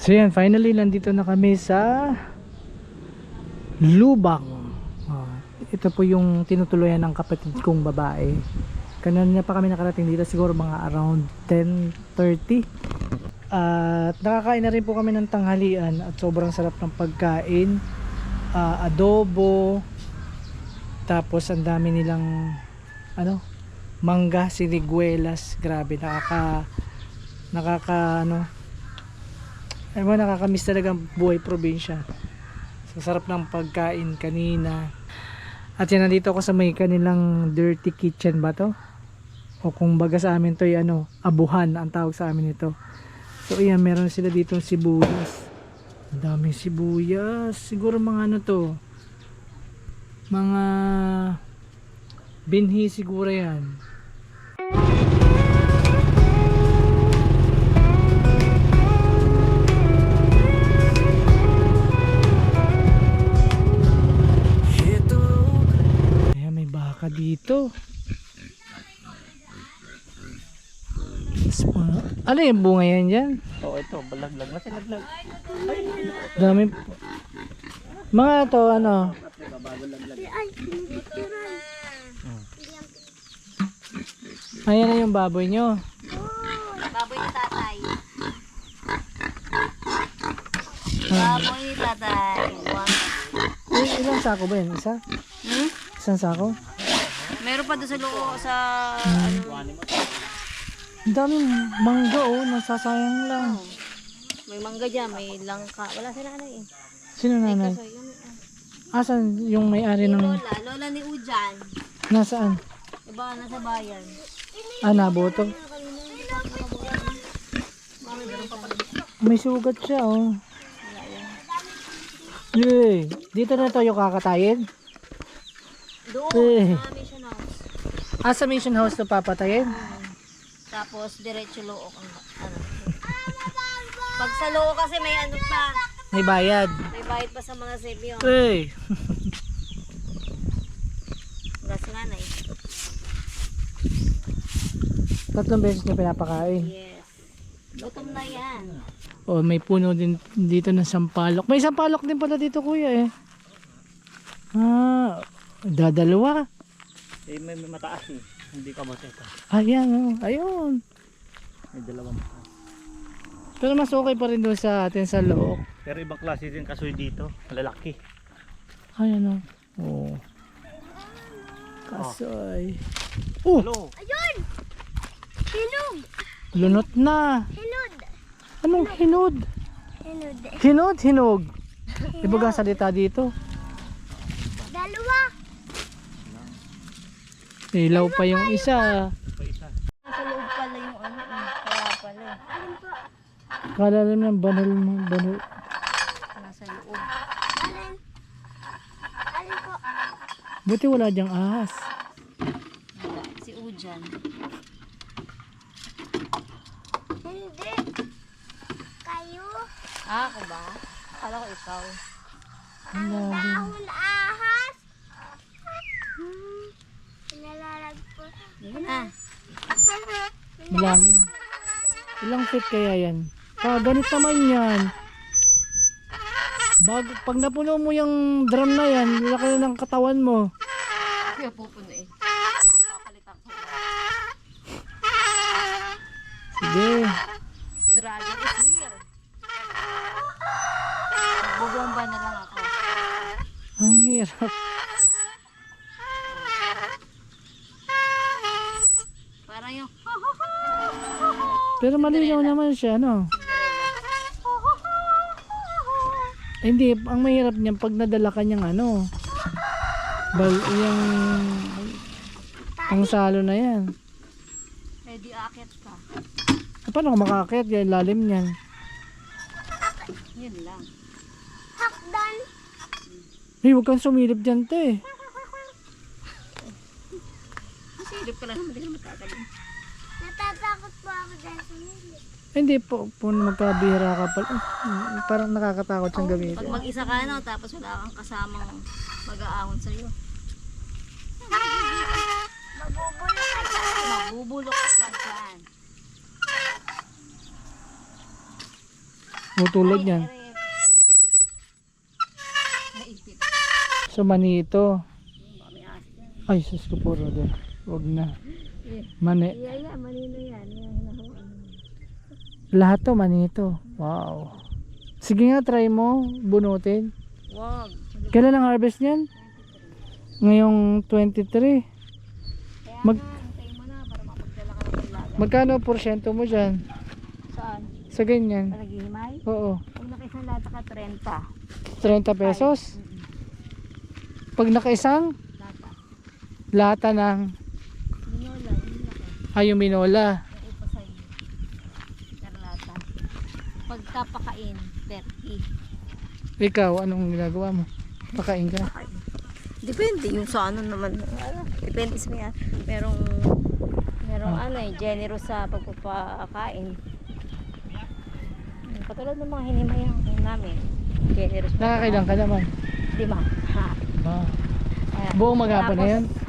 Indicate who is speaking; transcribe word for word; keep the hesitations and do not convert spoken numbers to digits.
Speaker 1: So yan, finally nandito na kami sa Lubang. Oh, ito po yung tinutuluyan ng kapatid kong babae. Kanina pa kami nakarating dito, siguro mga around ten thirty. At nakakain na rin po kami ng tanghalian at sobrang sarap ng pagkain. Uh, adobo, tapos ang dami nilang ano, mangga, siniguelas. Grabe, nakaka nakaka ano, ewan, nakakamiss talaga ang buhay probinsya. So sarap ng pagkain kanina. At yan, nandito ako sa may kanilang dirty kitchen ba to? O kung baga sa amin to ay ano, abuhan ang tawag sa amin ito. So ayan, meron sila dito sibuyas. Ang daming sibuyas. Siguro mga ano to, mga binhi siguro yan. Ayan, may baka dito. Ano yung bunga yan dyan?
Speaker 2: Oo, oh, ito, balaglag na sinaglag.
Speaker 1: Dami. Mga to, ano? Ayan na yung baboy nyo.
Speaker 3: Baboy ni tatay. Baboy ni tatay.
Speaker 1: Eh, ilang sako ba yan? Isa?
Speaker 3: Hmm?
Speaker 1: Isang sako?
Speaker 3: Meron pa doon sa loob sa
Speaker 1: Hmm.
Speaker 3: ano.
Speaker 1: Ang daming mangga, oh. Nasasayang lang.
Speaker 3: May mangga dyan, may langka. Wala si nanay eh.
Speaker 1: Sino nanay?
Speaker 3: Kaso yun, ah.
Speaker 1: Asan yung may-ari
Speaker 3: Si
Speaker 1: ng...
Speaker 3: Lola, Lola ni Ujan.
Speaker 1: Nasaan?
Speaker 3: Iba nasa bayan.
Speaker 1: Ah, naboto. May sugat siya, oh. Yay! Dito na tayo kakatayin?
Speaker 3: Doon,
Speaker 1: Eh.
Speaker 3: sa mission house.
Speaker 1: Ah, sa mission house na papatayin?
Speaker 3: Hmm. Tapos diretso loob ang ano. Pag sa loob kasi may ano pa,
Speaker 1: May bayad.
Speaker 3: may bayad pa sa mga sebyo.
Speaker 1: Hey!
Speaker 3: Gas nga na eh.
Speaker 1: Tatlong beses niya pinapakain.
Speaker 3: Yes. Gutom na yan.
Speaker 1: Oh, may puno din dito ng sampalok. May sampalok din pala dito, kuya, eh. Ah, dadalawa.
Speaker 2: Eh, may, may mataas eh. Hindi ka mateta.
Speaker 1: Ayan, oh. Ayun.
Speaker 2: May dalawang mataas.
Speaker 1: Pero mas okay pa rin doon sa atin sa loob.
Speaker 2: Pero ibang klase din kasoy dito. Malalaki.
Speaker 1: Ayan, oh. Oh. Kasoy. Oh,
Speaker 2: Hello.
Speaker 4: Ayun! Hinog!
Speaker 1: lunot na.
Speaker 4: Hinod!
Speaker 1: Anong hinod?
Speaker 4: Hinod.
Speaker 1: Hinod, hinog. Ibaga salita dito.
Speaker 4: Dalawa!
Speaker 1: Ilaw pa yung isa.
Speaker 2: Pa isa.
Speaker 3: Sa loob pala yung ano eh. Kaya pala eh.
Speaker 1: Kala lang ng banal mo, banal.
Speaker 3: Nasa loob.
Speaker 4: Alin? Alin po?
Speaker 1: Buti wala diyang ahas.
Speaker 3: Wala. Si Ujan.
Speaker 4: Hindi. Kayo?
Speaker 3: Ah, ako ba? Akala ko ikaw.
Speaker 1: Ang lalim.
Speaker 4: Dahon ahas? Hmm. Pinalalag po.
Speaker 3: Yun na.
Speaker 1: Malalim. Ilang feet kaya yan? Ah, ganit naman yan. Bago, pag napuno mo yung drum na yan, laki na ng katawan mo.
Speaker 3: Kaya pupuno eh. Kakalitan ko.
Speaker 1: Sige.
Speaker 3: Struggle is real. Bubomba na lang ako.
Speaker 1: Ang hirap.
Speaker 3: Parang yung
Speaker 1: Pero malinaw naman siya, no? Eh, hindi, ang mahirap niyan pag nadala ka niyang ano, bal, yung pangsalo na yan.
Speaker 3: ready akit ka.
Speaker 1: Eh, paano ka makakit? Yung lalim niyan.
Speaker 3: Yun lang.
Speaker 4: Hakdan!
Speaker 1: Hey, huwag kang sumilip dyan, te.
Speaker 3: Silip ka lang naman, hindi ka matatagal.
Speaker 4: Natatakot po ako dahil sumilip.
Speaker 1: Eh, hindi po, po magkabihira ka pala. Eh, parang nakakatakot siyang gamitin.
Speaker 3: Pag mag-isa ka no, tapos wala kang kasamang mag-aahon sa'yo.
Speaker 4: Mabubulok ka dyan.
Speaker 3: Mabubulok ka dyan.
Speaker 1: Tutulog yan.
Speaker 3: Naipit.
Speaker 1: So mani ito.
Speaker 3: May asin yan.
Speaker 1: Ay, sus ko po, Roder. Huwag na. Mani.
Speaker 3: Yeah, yeah, manino yan. Yung hinahawan.
Speaker 1: Lahat to, mani ito. Wow. Sige nga, try mo. Bunutin.
Speaker 3: Wag.
Speaker 1: Kailan ang harvest niyan? Ngayong twenty-three.
Speaker 3: Kaya
Speaker 1: Mag-
Speaker 3: nga, hintayin mo na para mapagdala ka ng laga.
Speaker 1: Magkano porsyento mo dyan?
Speaker 3: Saan?
Speaker 1: Sa ganyan?
Speaker 3: Naghihimay?
Speaker 1: Oo.
Speaker 3: Pag nakisang lata ka, thirty.
Speaker 1: thirty pesos? Pag nakaisang
Speaker 3: Lata.
Speaker 1: lata ng
Speaker 3: Binola, yung laki.
Speaker 1: ayong minola.
Speaker 3: Yung ipa sa'yo. Per lata. Pagkapakain, thirty.
Speaker 1: Ikaw, anong ginagawa mo? Pakain ka?
Speaker 3: Depende yung sa ano naman. Ano, depende sa mga. Merong, merong
Speaker 1: Ah.
Speaker 3: ano eh, generous sa pagpapakain. Katulad ng mga hinimayang namin. Generous.
Speaker 1: Nakakailang ka naman.
Speaker 3: Lima. Ha.
Speaker 1: Ah.
Speaker 3: Ayan.
Speaker 1: Buong maghapon na
Speaker 3: Tapos,
Speaker 1: yan?